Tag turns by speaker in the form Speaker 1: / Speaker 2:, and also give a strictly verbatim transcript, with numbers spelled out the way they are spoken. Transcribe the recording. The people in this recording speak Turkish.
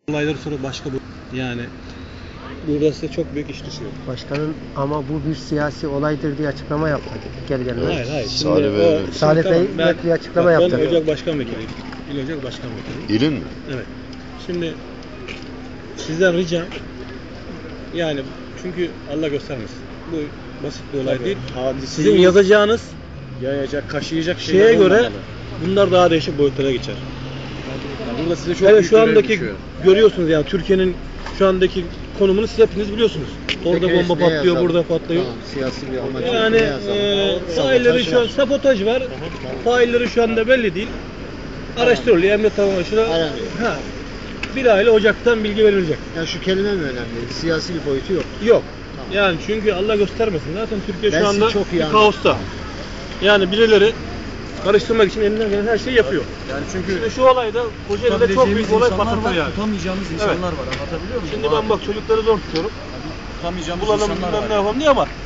Speaker 1: Olayları sonra başka bu yani burada size çok büyük iş düşüyor.
Speaker 2: Başkanın ama bu bir siyasi olaydır diye açıklama yapmadı. Gel gelmez.
Speaker 1: Hayır hayır. Şimdi
Speaker 3: Salih Bey,
Speaker 1: o,
Speaker 2: Salih
Speaker 1: tamam,
Speaker 2: Bey
Speaker 1: ben,
Speaker 2: net bir açıklama
Speaker 1: bak,
Speaker 2: yaptı.
Speaker 1: Ben Ocak Başkan Vekiliyim. İl Ocak Başkan Vekiliyim.
Speaker 3: İlin mi?
Speaker 1: Evet. Şimdi sizden ricam yani çünkü Allah göstermesin. Bu basit bir olay
Speaker 4: Tabii,
Speaker 1: değil.
Speaker 4: hadiseyi
Speaker 1: Sizin yazacağınız
Speaker 4: yayacak, kaşıyacak
Speaker 1: şeye
Speaker 4: şeyler
Speaker 1: göre
Speaker 4: olmamalı.
Speaker 1: bunlar daha değişik boyutlara geçer.
Speaker 4: Yani burada size çok
Speaker 1: Evet
Speaker 4: büyük
Speaker 1: şu
Speaker 4: görev
Speaker 1: andaki
Speaker 4: düşüyor.
Speaker 1: görüyorsunuz yani Türkiye'nin şu andaki konumunu siz hepiniz biliyorsunuz. Orada
Speaker 2: Peki,
Speaker 1: bomba
Speaker 2: ne
Speaker 1: patlıyor,
Speaker 2: yazalım?
Speaker 1: burada patlıyor.
Speaker 2: Tamam, siyasi bir amaç.
Speaker 1: Yani e, failleri şu an sabotaj var. Failleri şu anda belli değil. Araştırılıyor. Emniyet Tabanışı'na
Speaker 2: Aranıyor.
Speaker 1: ha, bir aile Ocak'tan bilgi verilecek.
Speaker 2: Yani şu kelime mi önemli? Siyasi bir boyutu yok.
Speaker 1: Yok.
Speaker 2: Tamam.
Speaker 1: Yani çünkü Allah göstermesin. Zaten Türkiye
Speaker 2: Ben
Speaker 1: şu
Speaker 2: sizi
Speaker 1: anda
Speaker 2: çok iyi
Speaker 1: bir
Speaker 2: anladım.
Speaker 1: kaosta. Yani birileri karıştırmak için elinden gelen her şeyi yapıyor.
Speaker 4: Yani çünkü
Speaker 1: Şimdi şu olayda Kocaeli'de çok büyük olay patlatır
Speaker 5: var,
Speaker 1: yani.
Speaker 5: tutamayacağımız
Speaker 1: Evet.
Speaker 5: insanlar var. Anlatabiliyor muyum?
Speaker 1: Şimdi ben bak çocukları zor tutuyorum.
Speaker 5: Tutamayacağımız
Speaker 1: Bulalım
Speaker 5: insanlar
Speaker 1: bilmem
Speaker 5: var.
Speaker 1: ne yapalım diye ama